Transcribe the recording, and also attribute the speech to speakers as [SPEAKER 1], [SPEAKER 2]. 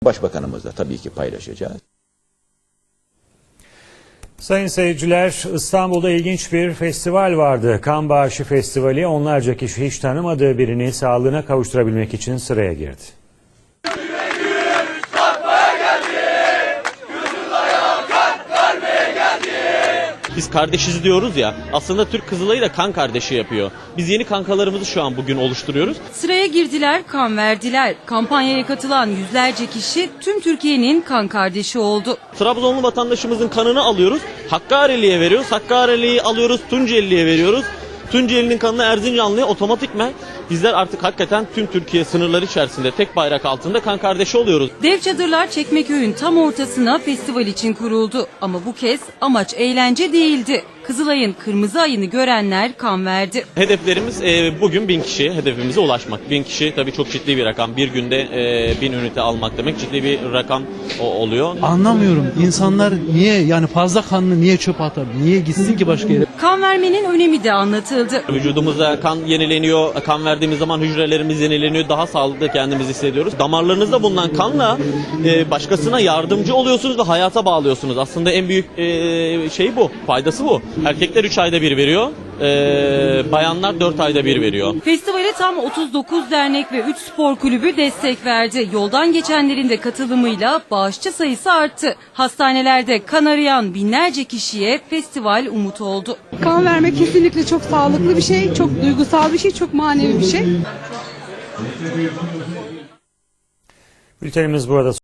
[SPEAKER 1] Başbakanımızla tabii ki paylaşacağız.
[SPEAKER 2] Sayın seyirciler, İstanbul'da ilginç bir festival vardı. Kan Bağışı Festivali, onlarca kişi hiç tanımadığı birini sağlığına kavuşturabilmek için sıraya girdi.
[SPEAKER 3] Biz kardeşiz diyoruz ya, aslında Türk Kızılay'ı da kan kardeşi yapıyor. Biz yeni kankalarımızı şu an bugün oluşturuyoruz.
[SPEAKER 4] Sıraya girdiler, kan verdiler. Kampanyaya katılan yüzlerce kişi tüm Türkiye'nin kan kardeşi oldu.
[SPEAKER 3] Trabzonlu vatandaşımızın kanını alıyoruz, Hakkari'liye veriyoruz. Hakkari'liyi alıyoruz, Tunceli'ye veriyoruz. Tunceli'nin kanını Erzincanlı'ya otomatikmen bizler artık hakikaten tüm Türkiye sınırları içerisinde tek bayrak altında kan kardeşi oluyoruz.
[SPEAKER 4] Dev çadırlar Çekmeköy'ün tam ortasına festival için kuruldu. Ama bu kez amaç eğlence değildi. Kızılay'ın kırmızı ayını görenler kan verdi.
[SPEAKER 3] Hedeflerimiz bugün 1000 kişi hedefimize ulaşmak. 1000 kişi tabii çok ciddi bir rakam. Bir günde 1000 ünite almak demek ciddi bir rakam oluyor.
[SPEAKER 5] Anlamıyorum. İnsanlar niye, yani fazla kanını niye çöpe atar? Niye gitsin ki başka yere?
[SPEAKER 4] Kan vermenin önemi de anlatıldı.
[SPEAKER 3] Vücudumuzda kan yenileniyor. Kan verdiğimiz zaman hücrelerimiz yenileniyor. Daha sağlıklı kendimizi hissediyoruz. Damarlarınızda bulunan kanla başkasına yardımcı oluyorsunuz ve hayata bağlıyorsunuz. Aslında en büyük şey bu. Faydası bu. Erkekler 3 ayda bir veriyor. Bayanlar 4 ayda bir veriyor.
[SPEAKER 4] Festivale tam 39 dernek ve 3 spor kulübü destek verdi. Yoldan geçenlerin de katılımıyla bağışçı sayısı arttı. Hastanelerde kan arayan binlerce kişiye festival umut oldu.
[SPEAKER 6] Kan vermek kesinlikle çok sağlıklı bir şey, çok duygusal bir şey, çok manevi bir şey.
[SPEAKER 2] Bültenimiz burada